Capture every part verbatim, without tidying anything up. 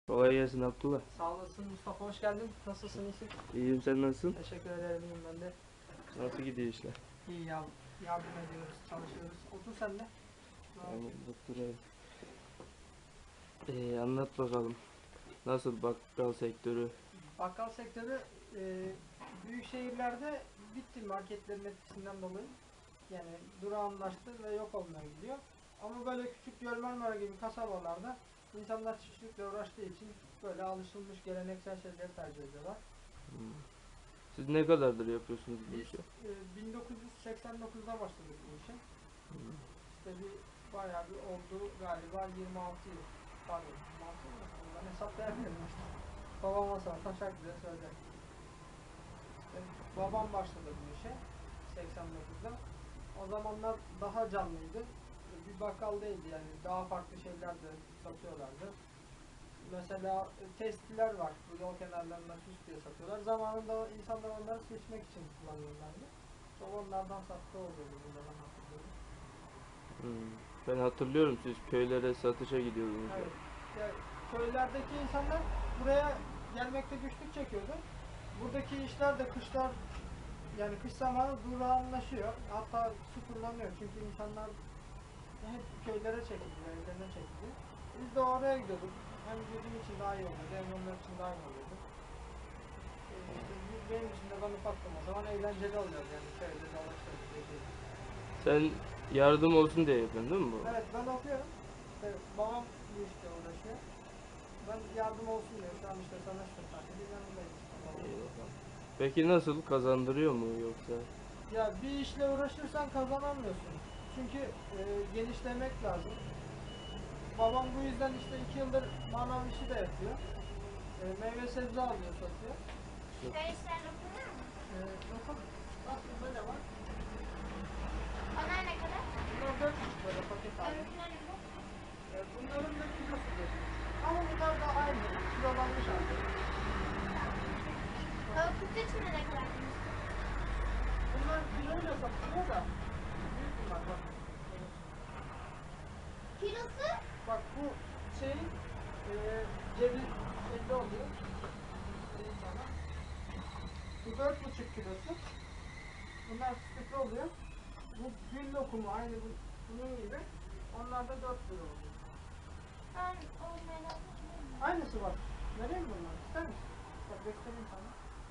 Kolay gelsin Abdullah. Sağ olasın Mustafa, hoş geldin. Nasılsın, iyisin? İyiyim, sen nasılsın? Teşekkür ederim, iyiyim ben de. Nasıl gidiyor işler? İyi ya, yardım ediyoruz, çalışıyoruz. Otur sen de. Tamam, oturayım. Ee, anlat bakalım. Nasıl bakkal sektörü? Bakkal sektörü e, büyük şehirlerde bitti marketlerin etkisinden dolayı. Yani durağanlaştı ve yok olmaya gidiyor. Ama böyle küçük Gölmarmara gibi kasabalarda insanlar çiftçilikle uğraştığı için böyle alışılmış geleneksel şeyleri tercih ediyorlar. Hmm. Siz ne kadardır yapıyorsunuz bu Biz işi? e, bin dokuz yüz seksen dokuzda başladık bu işe. Hmm. İşte bir bayağı bir oldu galiba yirmi altı yıl. Pardon, yirmi altı yıl mı? Ben hesaplayamıyorum işte. Babama sor, taşak bize söyler. İşte babam başladı bu işe seksen dokuzda. O zamanlar daha canlıydı. Bir bakkal değildi yani, daha farklı şeyler de satıyorlardı. Mesela testiler var, bu yol kenarlarında süs diye satıyorlar. Zamanında insanlar onları seçmek için kullanıyorlardı. Çok onlardan sattığı oluyordu, bu zaman hatırlıyorum. Hmm. Ben hatırlıyorum, siz köylere satışa gidiyordunuz. Evet. Ya, köylerdeki insanlar buraya gelmekte güçlük çekiyordu. Buradaki işler de kışlar, yani kış zamanı durağanlaşıyor. Hatta sıfırlanıyor çünkü insanlar hep köylere çekildi, evlerine çekildi. Biz de oraya gidiyorduk. Hem bizim için daha iyi oluyordu, hem onlar için daha iyi oluyordu. Ee, işte benim için de ben ufaktım o zaman, eğlenceli oluyordu yani köyde dolaşıyordu. Sen yardım olsun diye yapıyorsun değil mi bu? Evet, ben okuyorum. İşte babam bu işte uğraşıyor. Ben yardım olsun diye şu an işte tanıştım tabii. Yanındayım işte babam. İyi bakalım. Peki nasıl, kazandırıyor mu yoksa? Ya bir işle uğraşırsan kazanamıyorsun. Çünkü e, genişlemek lazım. Babam bu yüzden işte iki yıldır manav işi de yapıyor. E, meyve sebze alıyor, satıyor. Köy işlerine okunuyor mu? E, nasıl? Bak burada ne var? Onlar ne kadar? Bunlar dört buçuk böyle paket alıyor. Öbürküleri bu. E, bunların da kilosu geçmiş. Ama bunlar da aynı. Kilolanmış artık. Tavuk için ne kadar? Bunlar kiloyla satılıyor da. Büyük bunlar bak. Kilosu? Bak bu şeyin e, cebi şeyde oluyor. Söyleyeyim sana. Bu dört buçuk kilosu. Bunlar sütlü oluyor. Bu gül lokumu aynı bu, bunun gibi. Onlar da dört lira oluyor. Ben o merak etmiyorum. Aynısı var. Vereyim mi bunları? İster misin? Bak göstereyim sana.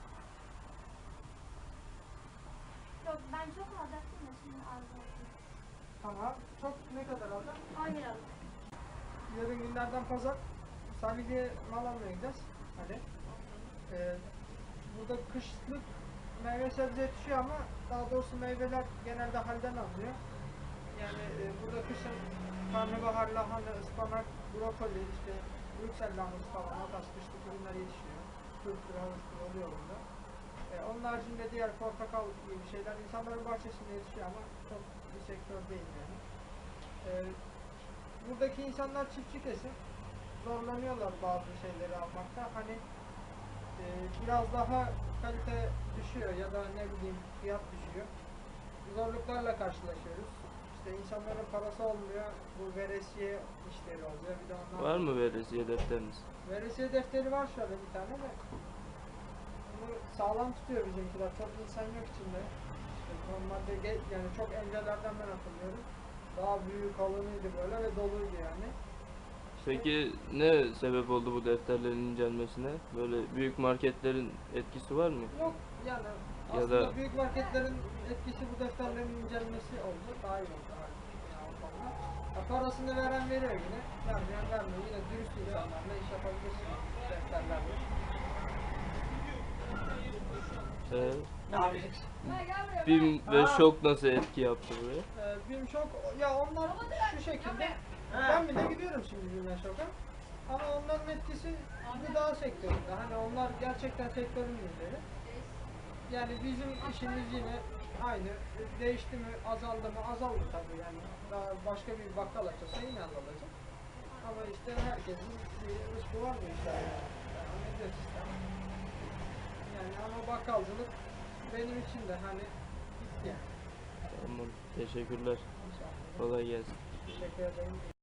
Yok, ben çok alacaktım da şimdi alacaktım. Tamam. Çok ne kadar alacağım? on liralık. Yarın günlerden pazar Salihli'ye mal almaya gideceğiz. Hadi. Ee, burada kışlık meyve sebze yetişiyor ama daha doğrusu meyveler genelde halden alınıyor. Yani e, burada kışın karnabahar, lahana, ıspanak, brokoli, işte Brüksel lahanası falan, o tarz kışlık ürünler yetişiyor. Turptur, havuçtur oluyor burada. E, onun haricinde diğer portakal gibi şeyler insanların bahçesinde yetişiyor ama çok bir sektör değil yani. E, buradaki insanlar çiftçi kesim. Zorlanıyorlar bazı şeyleri almakta. Hani e, biraz daha kalite düşüyor ya da ne bileyim fiyat düşüyor. Zorluklarla karşılaşıyoruz. İşte insanların parası olmuyor. Bu veresiye işleri oluyor. Bir de onlar Var mı veresiye defteriniz? veresiye defteri var şöyle bir tane de. Bunu sağlam tutuyor bizimkiler. Çok insan yok içinde. İşte normalde ge- yani çok öncelerden ben hatırlıyorum. Daha büyük kalınıydı böyle ve doluydu yani. Peki ne sebep oldu bu defterlerin incelmesine? Böyle büyük marketlerin etkisi var mı? Yok yani Ya aslında da- büyük marketlerin etkisi bu defterlerin incelmesi oldu. Daha iyi oldu halbuki yani o konuda. Ya parasını veren veriyor yine. Vermeyen vermiyor. Yine dürüst insanlarla iş yapabilirsin defterlerle. Ee, Ne yapacaksın? BİM ve Aa. şok nasıl etki yaptı buraya? Ee, BİM Şok, ya onlar şu şekilde. Ben bile gidiyorum şimdi BİM Şok'a. Ama onların etkisi gıda sektöründe. Hani onlar gerçekten sektörün lideri. Yani bizim işimiz yine aynı. Değişti mi, azaldı mı? Azaldı tabii yani. Daha başka bir bakkal açılsa yine azalacak. Ama işte herkesin bir rızkı var bu işler yani. Yani ne sistem. Yani ama bakkalcılık benim için de hani gitti yani. Tamam, teşekkürler. İnşallah. Kolay gelsin. Teşekkür ederim.